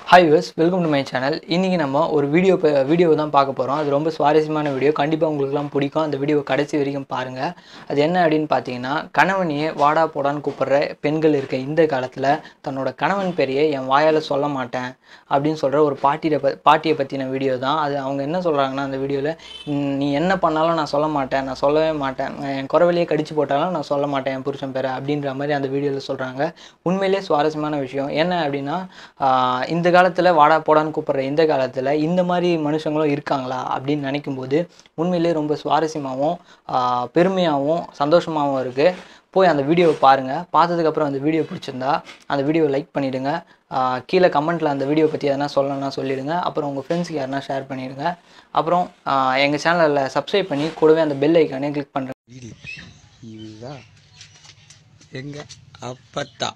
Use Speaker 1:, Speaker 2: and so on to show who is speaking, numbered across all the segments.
Speaker 1: Hi viewers, welcome to my channel. இன்னைக்கு நம்ம ஒரு வீடியோ தான் பார்க்க போறோம். அது ரொம்ப சுவாரஸ்யமான வீடியோ. கண்டிப்பா உங்களுக்குலாம் பிடிக்கும். அந்த வீடியோவை கடைசி வரைக்கும் பாருங்க. அது என்ன அப்படினு பாத்தீங்கன்னா, கணவனையே வாடா போடான்னு கூப்பிடுற பெண்கள் இருக்க இந்த காலத்துல தன்னோட கணவன் பேரையே என் வாயால சொல்ல மாட்டேன் அப்படினு சொல்ற ஒரு பாட்டியை பத்தின வீடியோ தான். அது அவங்க என்ன சொல்றாங்கன்னா அந்த வீடியோல, நீ என்ன பண்ணாலும் நான் சொல்ல மாட்டேன். நான் சொல்லவே மாட்டேன். என் குரவலையே கடிச்சு போட்டாலும் நான் சொல்ல மாட்டேன் என் புருஷன் பேரை அப்படின்ற மாதிரி அந்த வீடியோல சொல்றாங்க. உண்மையிலேயே சுவாரஸ்யமான விஷயம். என்ன அப்படின்னா, இந்த காலத்துல வாடா போடான்னு கூப்பிடுற இந்த காலத்துல இந்த மாதிரி மனுஷங்களும் இருக்காங்களா அப்படின்னு நினைக்கும்போது உண்மையிலேயே ரொம்ப சுவாரஸ்யமாகவும் பெருமையாகவும் சந்தோஷமாகவும் இருக்கு. போய் அந்த வீடியோவை பாருங்க. பார்த்ததுக்கப்புறம் அந்த வீடியோ பிடிச்சிருந்தா அந்த வீடியோவை லைக் பண்ணிடுங்க. கீழே கமெண்ட்டில் அந்த வீடியோ பற்றி எதனா சொல்லணும்னா சொல்லிடுங்க. அப்புறம் உங்கள் ஃப்ரெண்ட்ஸுக்கு யாருன்னா ஷேர் பண்ணிடுங்க. அப்புறம் எங்கள் சேனலில் சப்ஸ்கிரைப் பண்ணி கூடவே அந்த பெல் ஐக்கானே கிளிக் பண்ணுறேன்.
Speaker 2: இதுதான் எங்க அப்பத்தா.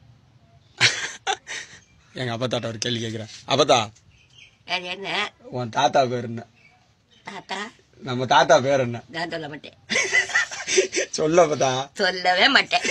Speaker 2: எங்க அப்பத்தாட்ட ஒரு கேள்வி கேட்கிறேன். அப்பத்தா,
Speaker 3: என்ன
Speaker 2: உன் தாத்தா பேர் என்ன?
Speaker 3: தாத்தா,
Speaker 2: நம்ம தாத்தா பேர் என்ன?
Speaker 3: நான் சொல்ல மாட்டேன்.
Speaker 2: சொல்ல அப்பத்தா.
Speaker 3: சொல்லவே மாட்டேன்.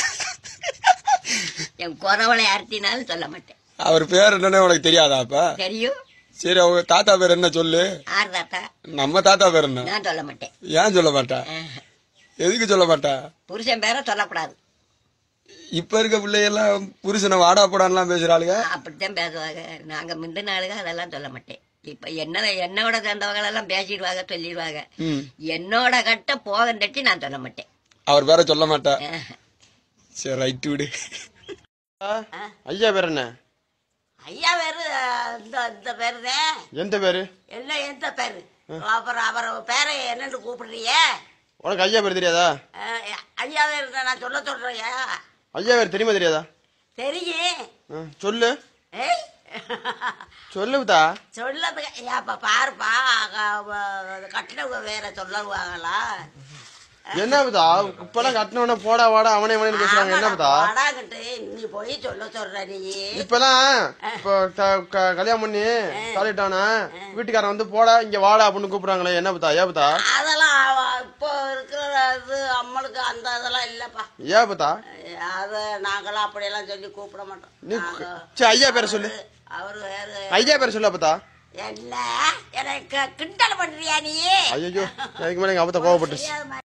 Speaker 3: என் குறவளை அறுத்தினாலும் சொல்ல மாட்டேன்.
Speaker 2: அவர் பேர் என்னன்னு உனக்கு தெரியாதா? அப்ப
Speaker 3: தெரியும்.
Speaker 2: சரி, அவங்க தாத்தா பேர் என்ன சொல்லு.
Speaker 3: ஆறு தாத்தா.
Speaker 2: நம்ம தாத்தா பேர் என்ன?
Speaker 3: நான் சொல்ல மாட்டேன்.
Speaker 2: ஏன் சொல்ல மாட்டா? எதுக்கு சொல்ல மாட்டா?
Speaker 3: புருஷன் பேரை சொல்லக்கூடாது.
Speaker 2: இப்ப இருக்க பிள்ளைகள்லாம் புருஷனை வாடா போடான்லாம் பேசுறாளுங்க.
Speaker 3: அப்படித்தான் பேசுவாங்க. நாங்க முந்தின ஆளுங்க அதெல்லாம் சொல்ல மாட்டேன். இப்ப என்னோட சேர்ந்தவங்க எல்லாம் பேசிடுவாங்க, சொல்லிடுவாங்க. என்னோட கட்ட போக தட்டி நான் சொல்ல மாட்டேன்.
Speaker 2: அவர் பேரை சொல்ல மாட்டா. சரி, ரைட் விடு. ஐயா பேர் என்ன?
Speaker 3: ஐயா பேரு இந்த பேருதான்.
Speaker 2: எந்த பேரு?
Speaker 3: எல்லாம் எந்த பேரு? அப்புறம் அவர் பேரை என்னன்னு கூப்பிடுறிய?
Speaker 2: உனக்கு ஐயா பேர் தெரியாதா?
Speaker 3: ஐயா பேரு நான் சொல்றேன்.
Speaker 2: ஐயா பேர் தெரியுமா தெரியாதா?
Speaker 3: தெரியும்.
Speaker 2: சொல்லு. சொல்லுதா?
Speaker 3: சொல்லதுக்கு பாருப்பா, கட்டினவங்க வேற சொல்லுவாங்களா?
Speaker 2: என்னதா இப்பெல்லாம் கட்டினவன போடா வாடா அவனே அவனே பேசுறாங்க. என்னதா
Speaker 3: வாடாங்கிட்டு நீ போய் சொல்ற நீ?
Speaker 2: இப்பெல்லாம் கல்யாணம் பண்ணி தாலிட்டானா வீட்டுக்காரன் வந்து போடா இங்க வாடா அப்படின்னு கூப்பிடுறாங்களே. என்னதா? ஏபத்தா
Speaker 3: அதெல்லாம் இப்போ இருக்கிற அம்மளுக்கு அந்த இதெல்லாம் இல்லப்பா.
Speaker 2: ஏபத்தா?
Speaker 3: அது நாங்களாம் அப்படியெல்லாம் சொல்லி கூப்பிட மாட்டோம்.
Speaker 2: ஐயா பேரை சொல்லு.
Speaker 3: அவரு வேற
Speaker 2: ஐயா பேரை சொல்லு. அப்பத்தா
Speaker 3: என்ன எனக்கு கிண்டல் பண்றியா நீ?
Speaker 2: ஐயோ, அதுக்கு மேல எங்க அப்பத்தா கோவப்பட்டு